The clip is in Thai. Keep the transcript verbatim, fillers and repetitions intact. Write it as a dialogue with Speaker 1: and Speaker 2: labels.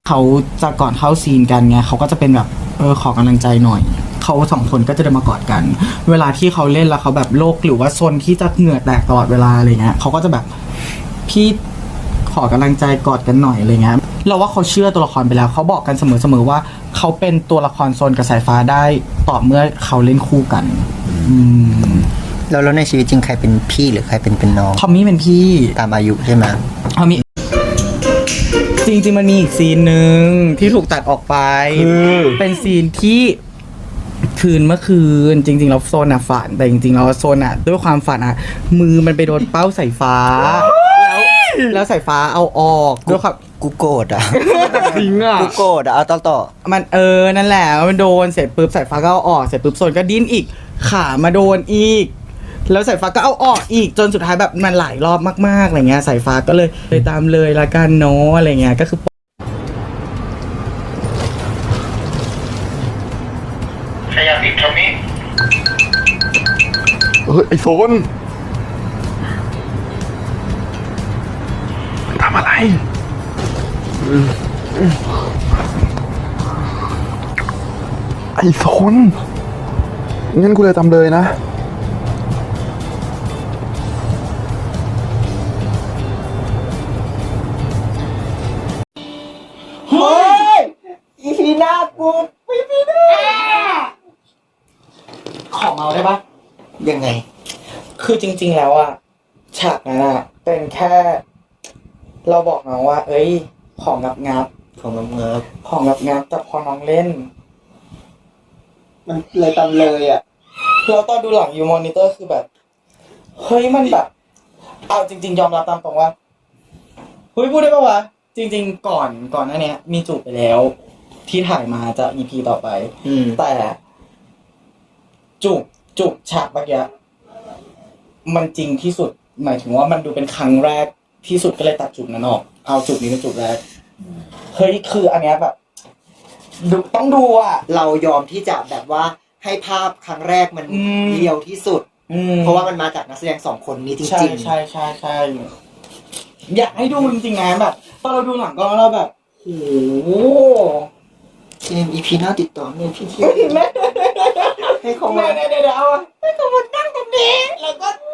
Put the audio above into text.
Speaker 1: เขาจะก่อนเข้าซีนกันไงเขาก็จะเป็นแบบเออขอกำลังใจหน่อยเขาสองคนก็จะเดินมากอดกัน เวลาที่เขาเล่นแล้วเขาแบบโลกหรือว่าโซนที่จะเหงื่อแตกตลอดเวลาอะไรเงี้ยเขาก็จะแบบพี่ขอกำลังใจกอดกันหน่อยอะไรเงี้ยเราว่าเขาเชื่อตัวละครไปแล้วเขาบอกกันเสมอๆว่าเขาเป็นตัวละครโซนกับสายฟ้าได้ต่อเมื่อเขาเล่นคู่กันอืม
Speaker 2: แล้วแล้วในชีวิตจริงใครเป็นพี่หรือใครเป็นเป็นน้อง
Speaker 1: ทอมมี่เป็นพี่
Speaker 2: ตามอายุใช่ไหม
Speaker 1: ทอมมี่จริงๆมันมีอีกซีนหนึ่งที่ถูกตัดออกไป เป็นซีนที่คืนเมื่อคืน จริงๆแล้วโซนอ่ะฝันแต่จริงๆแล้วโซนอ่ะด้วยความฝันอ่ะ มือมันไปโดนเป้าสายฟ้า แล้วแล้วสายฟ้าเอาออกด้วยความ
Speaker 2: กูโกรธอ่ะ
Speaker 1: จริงอ่ะ
Speaker 2: กูโกรธอ่ะเอาต่อต่อ
Speaker 1: มันเออนั่นแหละมันโดนเสร็จปุ๊บสายฟ้าก็เอาออกเสร็จปุ๊บโซนก็ดิ้นอีกขามาโดนอีก แล้วสายฟ้าก็เอาออกอีกจนสุดท้ายแบบมันหลายรอบมากๆอะไรเงี้ยสายฟ้าก็เลยเลยตามเลยละกันเนาะอะไรเงี้ยก็คือ
Speaker 3: ขยับอีกทำนี้
Speaker 4: เฮ้ยไอโซนมันทำอะไรไอโซนงั้นกูเลยทำเลยนะ
Speaker 1: เฮ้ยอีพีหน้ากูไม่มีหน้าขอเมาได้ปะ
Speaker 2: ยังไง
Speaker 1: คือจริงๆแล้วอะฉากนั้นอะเป็นแค่ เราบอกน้องว่า เอ้ย ของงับงับ
Speaker 2: ของน้องเงิบ
Speaker 1: ของงับงับแต่พอน้องเล่น
Speaker 2: มันเลยตามเลยอ่ะ
Speaker 1: เราตอนดูหลังยูมอนิเตอร์คือแบบ เฮ้ยมันแบบ เอาจริง ๆ ยอมรับตามตรงว่าเฮ้ยพูดได้ปะวะ จริง ๆ ก่อนก่อนหน้านี้มีจูบไปแล้ว ที่ถ่ายมาจะ อี พี ต่อไป
Speaker 2: อืม
Speaker 1: แต่จูบจูบฉากเมื่อกี้มันจริงที่สุด หมายถึงว่ามันดูเป็นครั้งแรกที่สุดก็เลยตัดจูบนั้นออก เอาจูบนี้เป็นจูบแรก เฮ้ยคืออันเนี้ยแบบดูต้องดูอ่ะ
Speaker 2: เรายอมที่จะแบบว่าให้ภาพครั้งแรกมัน
Speaker 1: อืม
Speaker 2: เรียวที่สุด
Speaker 1: อืม
Speaker 2: เพราะว่ามันมาจากนักแสดงสองคนนี้จ
Speaker 1: ใช่
Speaker 2: ริง
Speaker 1: ใช่ใช่ใช่อยากให้ดูจริงๆนะแบบตอนเราดูหลังก็เราแบบโอ้โห
Speaker 2: ๆเจมอีพีหน้าติดต่อเนี่ยพี่ที่
Speaker 1: แม่
Speaker 2: ให้เขา
Speaker 1: แม่
Speaker 2: มา
Speaker 1: เดี๋ยวเดี๋ยวเอาอะให้เขามานั่งตรงนี้แล้วก็